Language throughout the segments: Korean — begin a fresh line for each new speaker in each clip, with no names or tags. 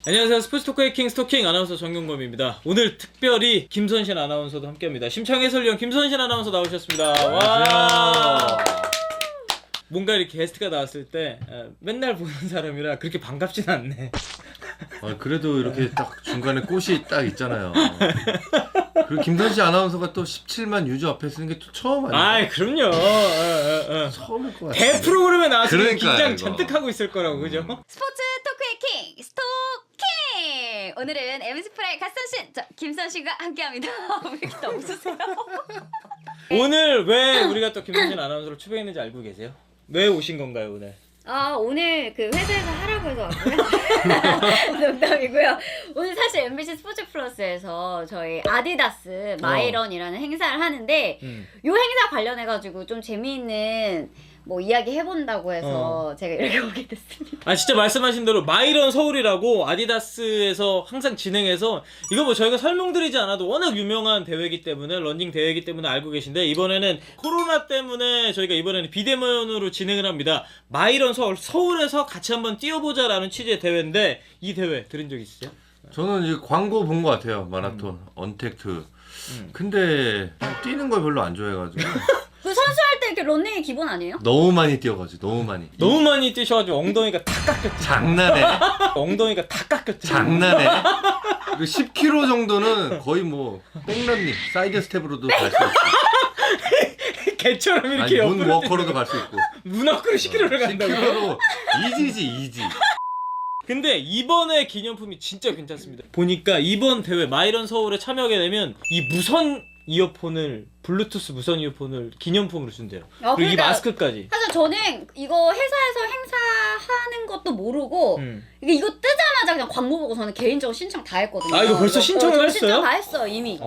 안녕하세요. 스포츠 토크의 킹 스토킹 아나운서 정경범입니다. 오늘 특별히 김선신 아나운서도 함께합니다. 심창 해설위원 김선신 아나운서 나오셨습니다. 와. 뭔가 이렇게 게스트가 나왔을 때 맨날 보는 사람이라 그렇게 반갑진 않네.
그래도 이렇게 딱 중간에 꽃이 딱 있잖아요. 그리고 김선신 아나운서가 또 17만 유저 앞에 쓰는 게 또 처음 아니에요?
아, 그럼요.
처음일 것 같아요.
대 프로그램에 나왔으면
그러니까요,
긴장
이거.
잔뜩 하고 있을 거라고, 그죠?
스포츠 토크의 킹 스토킹! 오늘은 MC 프라이 갓선신 김선신과 함께합니다. 왜 이렇게 다 웃으세요?
오늘 왜 우리가 또 김선신 아나운서를 초대했는지 알고 계세요? 왜 오신 건가요, 오늘?
오늘 그 회사에서 하라고 해서 왔고요. 농담이고요. 오늘 사실 MBC 스포츠 플러스에서 저희 아디다스 마이런이라는 행사를 하는데 요 행사 관련해가지고 좀 재미있는 뭐 이야기 해본다고 해서 제가 이렇게 오게 됐습니다.
아, 진짜 말씀하신 대로 마이런 서울이라고 아디다스에서 항상 진행해서 이거 뭐 저희가 설명드리지 않아도 워낙 유명한 대회이기 때문에 런닝 대회이기 때문에 알고 계신데 이번에는 코로나 때문에 저희가 이번에는 비대면으로 진행을 합니다. 마이런 서울에서 같이 한번 뛰어보자라는 취지의 대회인데 이 대회 들은 적 있으세요?
저는 이 광고 본 것 같아요. 마라톤, 언택트. 근데 뛰는 걸 별로 안 좋아해가지고
그 선수할 때 이렇게 런닝이 기본 아니에요?
너무 많이 뛰어가지고 너무 많이.
너무 많이 뛰셔가지고 엉덩이가 다 깎였죠.
장난해.
엉덩이가 다 깎였죠.
장난해. 그리고 10km 정도는 거의 뭐 백런닝, 사이드 스텝으로도 갈 수 있고.
개처럼 이렇게
아니, 문
옆으로
워커로도 갈 수 있고.
문 앞으로 10km를 간다고.
10km로 이지지 이지.
근데 이번에 기념품이 진짜 괜찮습니다. 보니까 이번 대회 마이런 서울에 참여하게 되면 이 무선 이어폰을 블루투스 무선 이어폰을 기념품으로 준대요. 그리고 이
그러니까
마스크까지.
사실 저는 이거 회사에서 행사하는 것도 모르고 이거 뜨자마자 그냥 광고 보고 저는 개인적으로 신청 다 했거든요.
아, 이거 벌써 신청을
저
했어요?
신청 다 했어 이미.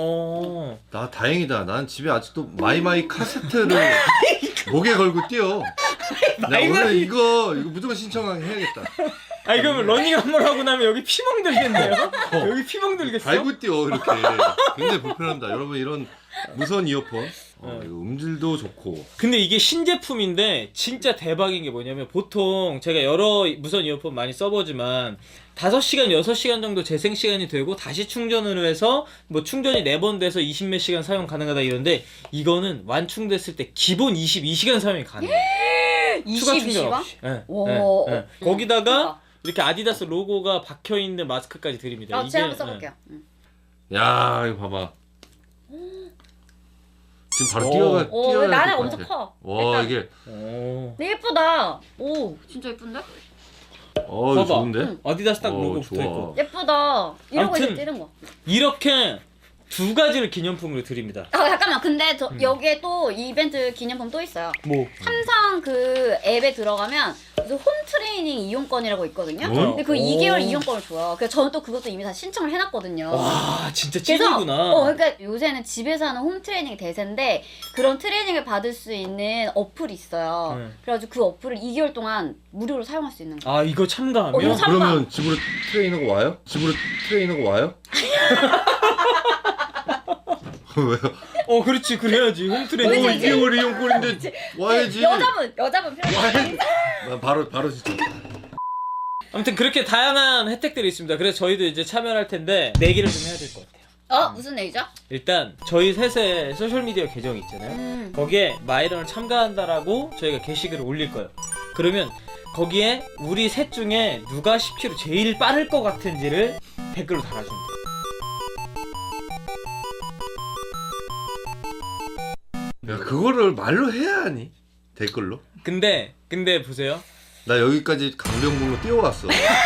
나 다행이다. 난 집에 아직도 마이마이 카세트를 목에 걸고 뛰어. 나 오늘 이거 무조건 신청해야겠다.
아, 이러면 러닝 한 번 하고 나면 여기 피멍 들겠네요. 여기 피멍 들겠어.
달고 뛰어 이렇게. 굉장히 불편합니다. 여러분 이런 무선 이어폰 이거 음질도 좋고.
근데 이게 신제품인데 진짜 대박인 게 뭐냐면 보통 제가 여러 무선 이어폰 많이 써보지만 5시간, 6시간 정도 재생 시간이 되고 다시 충전을 해서 뭐 충전이 4번 돼서 20몇 시간 사용 가능하다 이런데 이거는 완충됐을 때 기본 22시간 사용이 가능해요. 추가 충전
22시간?
없이. 네,
오.
네, 네. 거기다가 이렇게 아디다스 로고가 박혀있는 마스크까지 드립니다.
제가 한번 써볼게요.
야 이거 봐봐. 지금 바로 뛰어야
나는
될것
엄청
같아.
커.
와
일단.
이게
네, 예쁘다. 오, 진짜 예쁜데?
이거
봐봐.
좋은데?
아디다스 딱 로고
좋아.
붙어있고
예쁘다. 이러고 이제
아무튼
뛰는 거.
이렇게 2가지를 기념품으로 드립니다.
잠깐만. 근데 여기에 또 이벤트 기념품 또 있어요.
뭐?
삼성 그 앱에 들어가면 무슨 홈 트레이닝 이용권이라고 있거든요. 근데 그
오.
2개월 이용권을 줘요. 그래서 저는 또 그것도 이미 다 신청을 해놨거든요.
와, 진짜
그래서
찐이구나.
그러니까 요새는 집에서 하는 홈 트레이닝이 대세인데 그런 트레이닝을 받을 수 있는 어플이 있어요. 그래가지고 그 어플을 2개월 동안 무료로 사용할 수 있는 거예요.
아, 이거 참가하면?
이거 참가.
그러면 집으로 트레이너가 와요? 집으로 트레이너가 와요? 왜요?
그렇지, 그래야지. 홈트레이닝.
2개월 이용권인데 와야지.
여자분 필요해.
바로 진짜.
아무튼 그렇게 다양한 혜택들이 있습니다. 그래서 저희도 이제 참여를 할 텐데 내기를 좀 해야 될 것 같아요.
무슨 얘기죠?
일단 저희 셋의 소셜미디어 계정이 있잖아요. 거기에 마이런을 참가한다라고 저희가 게시글을 올릴 거예요. 그러면 거기에 우리 셋 중에 누가 10km 제일 빠를 것 같은지를 댓글로 달아주면 돼요.
야 그거를 말로 해야 하니? 댓글로?
근데 보세요.
나 여기까지 강변북로 뛰어왔어.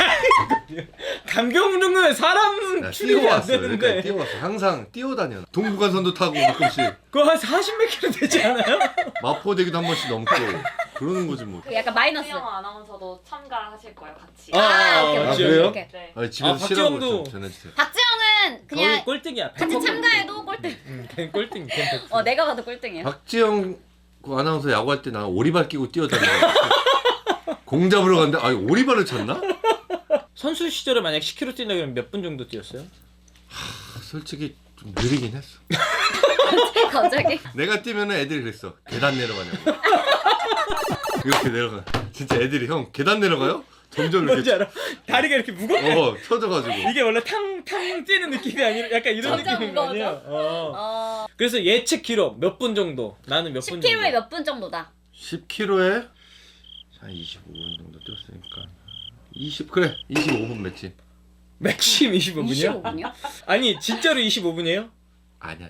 강경릉은 사람 출입이 안
뛰어왔어.
되는데
여기까지 뛰어왔어. 항상 뛰어다녀. 동부간선도 타고 가끔씩
그거 한 40몇 킬로 되지 않아요?
마포대교도 한 번씩 넘고 그러는 거지 뭐.
약간 마이너스.
박지영 아나운서도 참가하실 거예요, 같이.
오케이.
그래요?
오케이.
네.
아니 집에서
박지영도-
쉬라고 전해주세요.
박지영은
거기
그냥
꼴등이야.
같이 참가해도 꼴등.
걔 꼴등.
내가 봐도 꼴등이야.
박지영 그 아나운서 야구할 때 나 오리발 끼고 뛰어다녀. 공 잡으러 갔는데 오리발을 쳤나?
선수 시절에 만약 10km 뛴다 그러면 몇 분 정도 뛰었어요?
솔직히 좀 느리긴 했어.
갑자기?
내가 뛰면 애들이 그랬어. 계단 내려가냐고. 이렇게 내려가. 진짜 애들이 형 계단 내려가요? 점점
뭔지
이렇게
알아? 다리가 이렇게 무겁게
쳐져가지고.
이게 원래 탕 뛰는 느낌이 아니라 약간 이런
점점
느낌인 거 아니야?
무거워져?
그래서 예측 기록 몇 분 정도? 나는 몇 분 정도?
10km에 몇 분 정도다?
10km에 한 25분 정도 뛰었으니까 25분 맥심.
맥심 25분이야?
25분이요?
아니 진짜로 25분이에요?
아니야.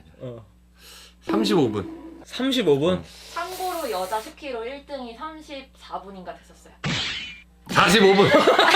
35분. 35분?
참고로 여자 10kg 1등이 34분인가 됐었어요.
45분.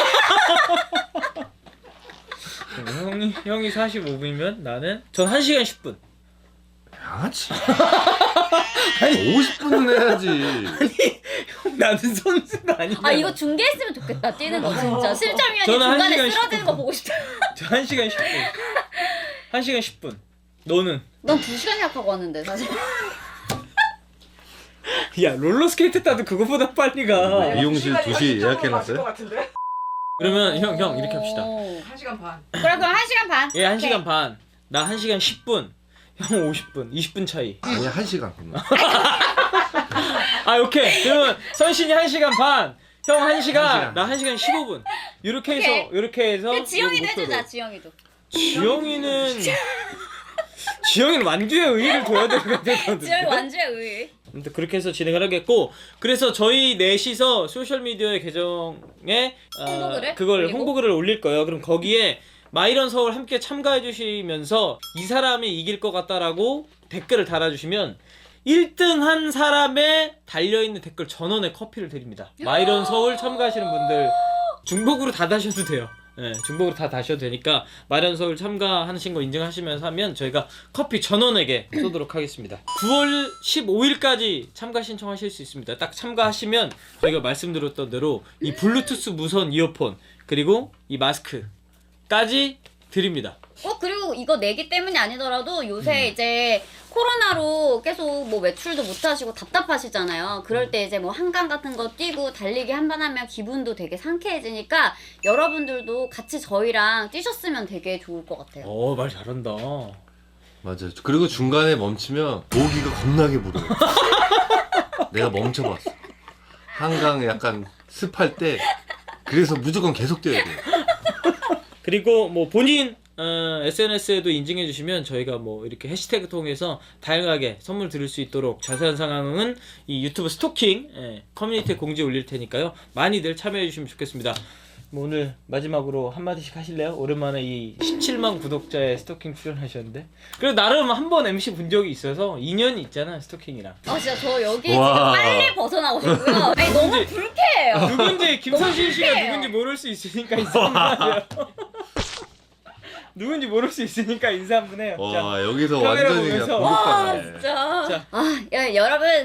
형이 45분이면 나는 전 1시간 10분.
양아치. 아니 50분은 해야지.
나는 선수가 아니야.
아 이거 중계했으면 좋겠다 뛰는 거 진짜 심장위원이
저는 한
중간에
시간
쓰러지는 거 보고 싶다.
저 1시간 10분. 1시간 10분. 너는?
넌 2시간 예약하고 왔는데 사실.
야 롤러스케이트 타도 그거보다 빨리 가.
미용실 2시 예약해놨어요?
그러면 형 이렇게 합시다.
1시간 반.
그럼 1시간 반.
얘 1시간 반. 나 1시간 10분. 형 50분. 20분 차이.
아니 1시간 그러면.
아 오케이. 그러면 선신이 1시간 반. 형 1시간.
시간.
나 1시간 15분. 이렇게 해서
오케이.
이렇게 해서
그 지영이도
이거 목표로.
해주자 지영이도.
지영이는 완주의 의의를 둬야 되거든.
지영이 완주의 의의.
아무튼 그렇게 해서 진행을 하겠고, 그래서 저희 넷이서 소셜미디어 계정에
홍보글을
그걸
올리고?
홍보글을 올릴 거예요. 그럼 거기에 마이런 서울 함께 참가해 주시면서 이 사람이 이길 것 같다라고 댓글을 달아주시면 1등 한 사람의 달려있는 댓글 전원에 커피를 드립니다. 마이런 서울 참가하시는 분들 중복으로 다 다셔도 돼요. 네, 중복으로 다 다셔도 되니까 마이런 서울 참가하신 거 인증하시면서 하면 저희가 커피 전원에게 쏘도록 하겠습니다. 9월 15일까지 참가 신청하실 수 있습니다. 딱 참가하시면 저희가 말씀드렸던 대로 이 블루투스 무선 이어폰 그리고 이 마스크까지 드립니다.
그리고 이거 내기 때문이 아니더라도 요새 이제 코로나로 계속 뭐 외출도 못 하시고 답답하시잖아요. 그럴 때 이제 뭐 한강 같은 거 뛰고 달리기 한 번 하면 기분도 되게 상쾌해지니까 여러분들도 같이 저희랑 뛰셨으면 되게 좋을 것 같아요.
말 잘한다.
맞아요. 그리고 중간에 멈추면 모기가 겁나게 물어요. 내가 멈춰봤어. 한강 약간 습할 때 그래서 무조건 계속 뛰어야 돼요.
그리고 뭐 본인 SNS에도 인증해 주시면 저희가 뭐 이렇게 해시태그 통해서 다양하게 선물 드릴 수 있도록 자세한 상황은 이 유튜브 스토킹 커뮤니티에 공지 올릴 테니까요. 많이들 참여해 주시면 좋겠습니다. 뭐 오늘 마지막으로 한마디씩 하실래요? 오랜만에 이 17만 구독자의 스토킹 출연하셨는데 그래도 나름 한 번 MC 본 적이 있어서 인연이 있잖아 스토킹이랑.
진짜 저 여기
와.
지금 빨리 벗어나고 싶고요. 아니 너무
누군지-
불쾌해요.
누군지 김선신 씨가
불쾌해요.
누군지 모를 수 있으니까 인사 한번 해요. 누군지 모를 수 있으니까 인사 한번 해요. 자,
와 여기서
카메라
완전히 그냥
보면서.
와
공격당해.
진짜.
자.
여러분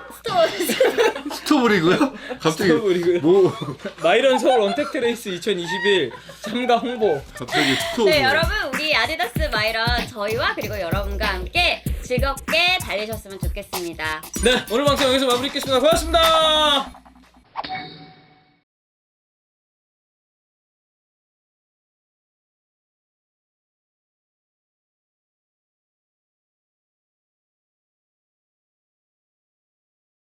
스토브리고요? 갑자기
스토브리고요.
뭐
마이런 서울 언택트 레이스 2021 참가 홍보.
갑자기 스토브.
네 여러분 우리 아디다스 마이런 저희와 그리고 여러분과 함께 즐겁게 달리셨으면 좋겠습니다.
네 오늘 방송 여기서 마무리하겠습니다. 고맙습니다.